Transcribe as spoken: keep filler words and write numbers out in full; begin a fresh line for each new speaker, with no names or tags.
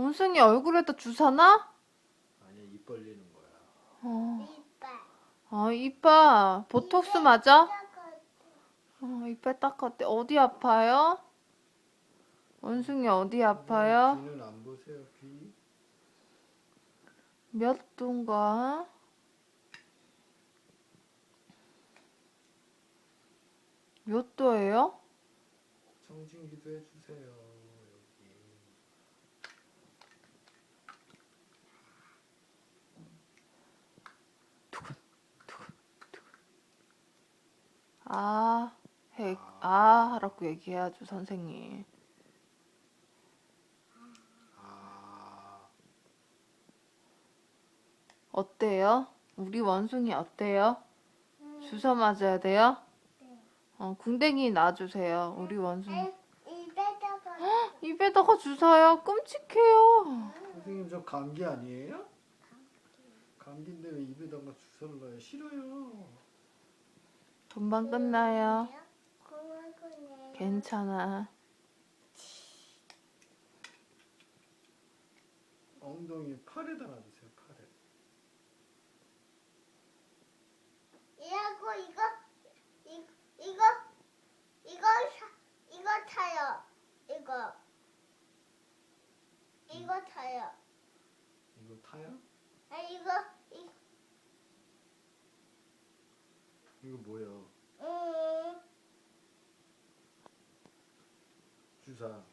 원숭이 얼굴에다 주사나?
아니야, 입 벌리는 거야.
어.
이빨.
아, 이빨. 보톡스 맞아? 어, 이빨 닦았대. 어디 아파요? 원숭이 어디 아파요?
귀는 안 보세요, 귀?
몇 도인가? 몇 도예요?
청진기도 해주세요, 여기.
아, 해, 아, 하라고 얘기해야죠, 선생님.
아,
어때요? 우리 원숭이 어때요? 주사 맞아야 돼요?
네.
어, 궁뎅이 놔주세요. 우리 원숭이.
입에다가.
입에다가 주사요? 끔찍해요.
선생님 저 감기 아니에요? 감기인데 왜 입에다가 주사를 놔요? 싫어요.
금방 끝나요.
고마워요.
괜찮아.
엉덩이 팔에다 놔주세요, 팔에.
이하고 이거 이 이거 이거 사, 이거 타요. 이거 이거 타요.
이거 타요?
아 이거 이
이거 뭐예요?
음.
주사.